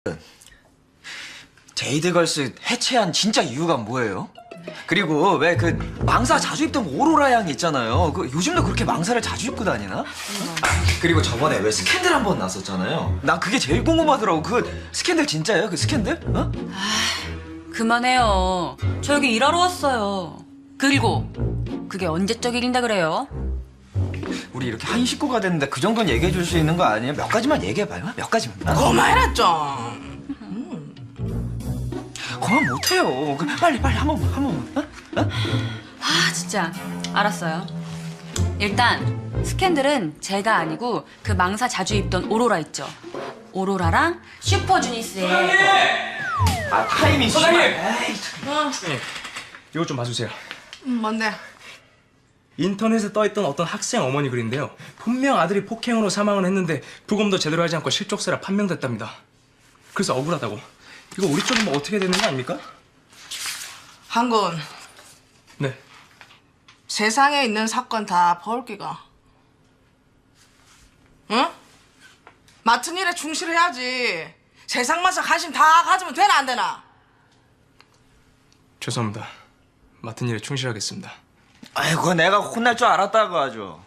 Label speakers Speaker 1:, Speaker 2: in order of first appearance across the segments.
Speaker 1: 제이드걸스 해체한 진짜 이유가 뭐예요? 그리고 왜 그 망사 자주 입던 오로라 양 있잖아요. 그 요즘도 그렇게 망사를 자주 입고 다니나? 그리고 저번에 왜 스캔들 한 번 났었잖아요. 난 그게 제일 궁금하더라고. 그 스캔들 진짜예요? 그 스캔들? 어?
Speaker 2: 그만해요. 저 여기 일하러 왔어요. 그리고 그게 언제적 일인다 그래요?
Speaker 1: 우리 이렇게 한 식구가 됐는데 그 정도는 얘기해 줄 수 있는 거 아니에요? 몇 가지만 얘기해봐요. 몇 가지만.
Speaker 3: 그만해라 좀.
Speaker 1: 그만 못해요. 빨리 한 번만. 어?
Speaker 2: 아 진짜 알았어요. 일단 스캔들은 제가 아니고 그 망사 자주 입던 오로라 있죠. 오로라랑 슈퍼주니스의
Speaker 1: 타이밍.
Speaker 4: 사장님!
Speaker 1: 에이,
Speaker 4: 이거 좀 봐주세요.
Speaker 3: 뭔데?
Speaker 4: 인터넷에 떠있던 어떤 학생 어머니 글인데요. 분명 아들이 폭행으로 사망을 했는데 부검도 제대로 하지 않고 실족세라 판명됐답니다. 그래서 억울하다고. 이거 우리 쪽은 뭐 어떻게 되는 거 아닙니까?
Speaker 3: 한군,
Speaker 4: 네.
Speaker 3: 세상에 있는 사건 다 벌기가. 응? 맡은 일에 충실해야지. 세상 마사 관심 다 가지면 되나 안 되나?
Speaker 4: 죄송합니다. 맡은 일에 충실하겠습니다.
Speaker 1: 아이고 내가 혼날 줄 알았다고 하죠.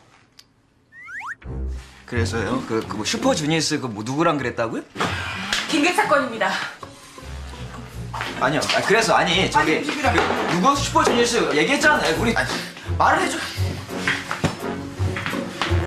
Speaker 1: 그래서요? 뭐 슈퍼주니어스 그 뭐 누구랑 그랬다고요?
Speaker 2: 빈객 사건입니다.
Speaker 1: 아니요. 그래서 저기
Speaker 3: 아니, 비비라.
Speaker 1: 누구 슈퍼주니어스 얘기했잖아요. 우리 말을 해줘.